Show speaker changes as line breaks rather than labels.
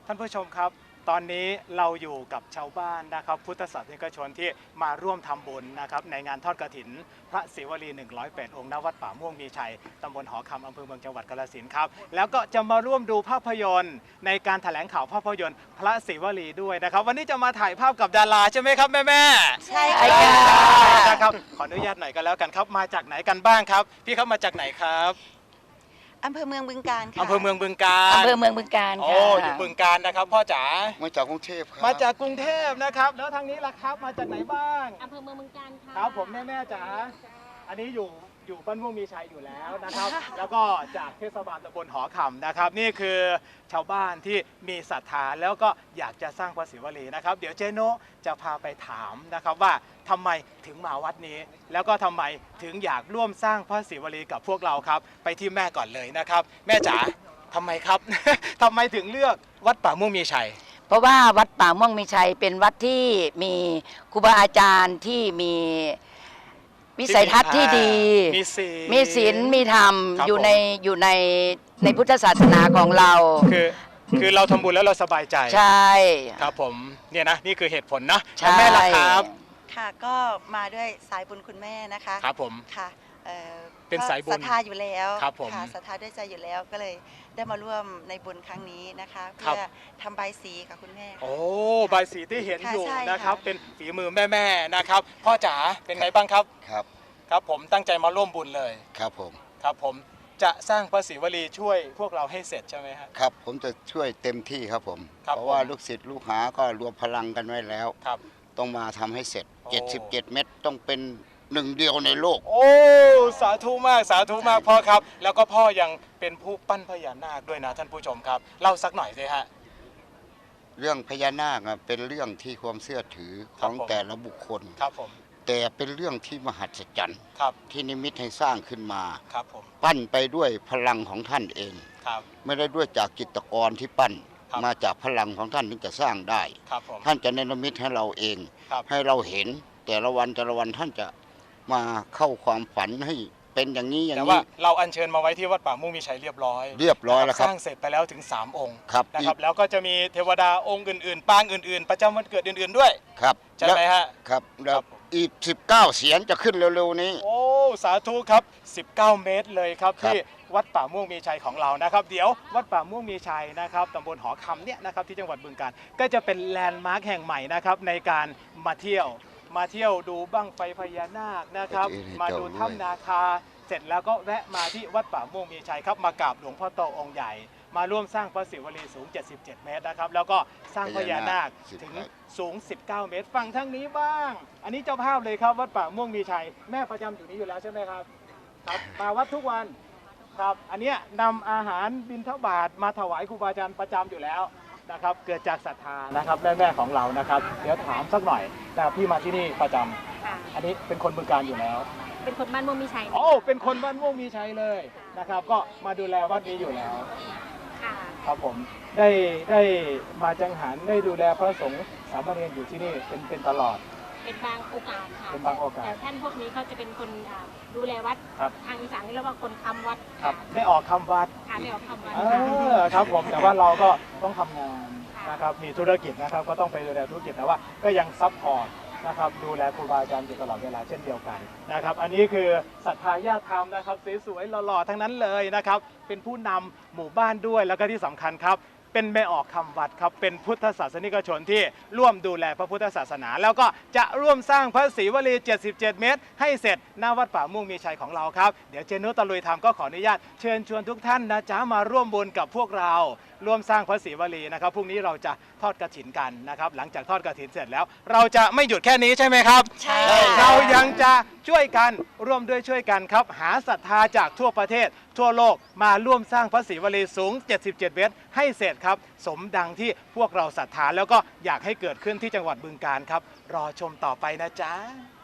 ท่านผู้ชมครับตอนนี้เราอยู่กับชาวบ้านนะครับพุทธศาสนิกชนที่มาร่วมทำบุญนะครับในงานทอดกฐินพระศิวลี108 องค์ณวัดป่าม่วงมีชัยตำบลหอคำอำเภอเมืองจังหวัดกาฬสินธุ์ครับแล้วก็จะมาร่วมดูภาพยนตร์ในการแถลงข่าวภาพยนตร์พระศิวลีด้วยนะครับวันนี้จะมาถ่ายภาพกับดาราใช่ไหมครับแม่
ใช่
ค่ะ
ค่ะ
นะครับขออนุญาตหน่อยกันแล้วกันครับมาจากไหนกันบ้างครับพี่ครับมาจากไหนครับ
อำเภอเมืองบึงกาฬค่ะ
อำเภอเมืองบึงกาฬ
อำเภอเมืองบึงกาฬค่ะ
โอ้อยู่บึงกาฬนะครับพ่อจ๋า
มาจากกรุงเทพครับ
มาจากกรุงเทพนะครับแล้วทางนี้ล่ะครับมาจากไหนบ้าง
อำเภอเมืองบึงกาฬค่ะ
ครับผมแม่จ๋าอันนี้อยู่บ้านม่วงมีชัยอยู่แล้วนะครับแล้วก็จากเทศบาลตำบลหอคำนะครับนี่คือชาวบ้านที่มีศรัทธาแล้วก็อยากจะสร้างพระศิวลีนะครับเดี๋ยวเจโนจะพาไปถามนะครับว่าทำไมถึงมาวัดนี้แล้วก็ทำไมถึงอยากร่วมสร้างพระศิวลีกับพวกเราครับไปที่แม่ก่อนเลยนะครับแม่จ๋าทำไมครับ ทำไมถึงเลือกวัดป่าม่วงมีชัย
เพราะว่าวัดป่าม่วงมีชัยเป็นวัดที่มีครูบาอาจารย์ที่มีวิสัยทัศน์ที่ดีมีศีลมีธรรมอยู่ในพุทธศาสนาของเรา
คือเราทำบุญแล้วเราสบายใจ
ใช่
ครับผมเนี่ยนะนี่คือเหตุผลนะแม่ล่ะครับ
ค่ะก็มาด้วยสายบุญคุณแม่นะคะ
ครับผม
ค่ะ
เป็นสายบุญ
ศรัทธาอยู่แล้ว
ครับผม
ค่ะศรัทธาด้วยใจอยู่แล้วก็เลยได้มาร่วมในบุญครั้งนี้นะคะเพื่อทำใบสีค่ะคุณแม่
โอ้ใบสีที่เห็นอยู่นะครับเป็นฝีมือแม่นะครับพ่อจ๋าเป็นไงบ้างครับครับผมตั้งใจมาร่วมบุญเลย
ครับผม
ครับผมจะสร้างพระศิวลีช่วยพวกเราให้เสร็จใช่ไหม
ครับผมจะช่วยเต็มที่ครับผมเพราะว่าลูกศิษย์ลูกหาก็รวมพลังกันไว้แล้วต้องมาทำให้เสร็จ77 เมตรต้องเป็นหนึ่งเดียวในโลก
โอ้สาธุมากสาธุมากพ่อครับแล้วก็พ่อยังเป็นผู้ปั้นพญานาคด้วยนะท่านผู้ชมครับเล่าสักหน่อยสิฮะ
เรื่องพญานาคเป็นเรื่องที่ความเชื่อถือของแต่ละบุคคล
ครับผม
แต่เป็นเรื่องที่มหัศจรรย์ที่นิมิตให้สร้างขึ้นมา
ครับผม
ปั้นไปด้วยพลังของท่านเองไม่ได้ด้วยจากจิตรกรที่ปั้นมาจากพลังของท่านถึงจะสร้างได้ท่านจะเนรมิตให้เราเองให้เราเห็นแต่ละวันท่านจะมาเข้าความฝันให้เป็นอย่างนี้อย่างนี้
แต่ว่าเราอัญเชิญมาไว้ที่วัดป่าม่วงมีชัยเรียบร้อย
แล้วครับ
สร้างเสร็จไปแล้วถึง3 องค์นะครับแล้วก็จะมีเทวดาองค์อื่นๆปางอื่นๆประจำวันเกิดอื่นๆด้วย
ครับ
ใช่ไหมฮะ
ครับแล้วอีก19 เสียงจะขึ้นเร็วๆนี้
โอ้สาธุครับ19 เมตรเลยครับที่วัดป่าม่วงมีชัยของเรานะครับเดี๋ยววัดป่าม่วงมีชัยนะครับตำบลหอคำเนี่ยนะครับที่จังหวัดบึงกาฬก็จะเป็นแลนด์มาร์คแห่งใหม่นะครับในการมาเที่ยวดูบั้งไฟพญานาคนะครับมาดูถ้ำนาคาเสร็จแล้วก็แวะมาที่วัดป่าม่วงมีชัยครับมากราบหลวงพ่อโตองค์ใหญ่มาร่วมสร้างพระศิวลีสูง77 เมตรนะครับแล้วก็สร้างพญานาคถึงสูง19 เมตรฝั่งทั้งนี้บ้างอันนี้เจ้าภาพเลยครับวัดป่าม่วงมีชัยแม่ประจำอยู่นี้อยู่แล้วใช่ไหมครับครับมาวัดทุกวันครับอันนี้นำอาหารบิณฑบาตมาถวายครูบาอาจารย์ประจำอยู่แล้วนะครับเกิดจากศรัทธานะครับแม่ของเรานะครับเดี๋ยวถามสักหน่อยแต่พี่มาที่นี่ประจำอันนี้เป็นคนบึงกาฬอยู่แล้ว
เป็นคนบ้านม่วงมีชัย
โอ้เป็นคนบ้านม่วงมีชัยเลยนะครับก็มาดูแลวัดนี้อยู่แล้วครับผมได้มาจังหันได้ดูแลพระสงฆ์สามเณรอยู่ที่นี่เป็นตลอด
เป็นบางโอกาสค่ะ
เป็นบางโอกาส
แต่ท่านพวกนี้เขาจะเป็นคนดูแลวัดทางอีสานนี่เรียกว่าคนค้ำวัด
ครับได้ออกคำวัด
ได้ออกคำวัด
ครับผมแต่ว่าเราก็ต้องทำงานนะครับมีธุรกิจนะครับก็ต้องไปดูแลธุรกิจแต่ว่าก็ยังซัพพอร์ตนะครับดูแลครูบาอาจารย์อยู่ตลอดเวลาเช่นเดียวกันนะครับอันนี้คือศรัทธาญาติธรรมนะครับสวยๆหล่อๆทั้งนั้นเลยนะครับเป็นผู้นำหมู่บ้านด้วยแล้วก็ที่สำคัญครับเป็นแม่ออกคำวัดครับเป็นพุทธศาสนิกชนที่ร่วมดูแลพระพุทธศาสนาแล้วก็จะร่วมสร้างพระศิวลี77 เมตรให้เสร็จหน้าวัดป่าม่วงมีชัยของเราครับเดี๋ยวเจนุตะลุยธรรมก็ขออนุญาตเชิญชวนทุกท่านนะจ๊ะมาร่วมบุญกับพวกเราร่วมสร้างพระศิวลีนะครับพรุ่งนี้เราจะทอดกฐินกันนะครับหลังจากทอดกฐินเสร็จแล้วเราจะไม่หยุดแค่นี้ใช่ไหมครับ
ใช่
เรายังจะช่วยกันร่วมด้วยช่วยกันครับหาศรัทธาจากทั่วประเทศทั่วโลกมาร่วมสร้างพระศิวลีสูง77 เมตรให้เสร็จครับสมดังที่พวกเราศรัทธาแล้วก็อยากให้เกิดขึ้นที่จังหวัดบึงกาฬครับรอชมต่อไปนะจ๊ะ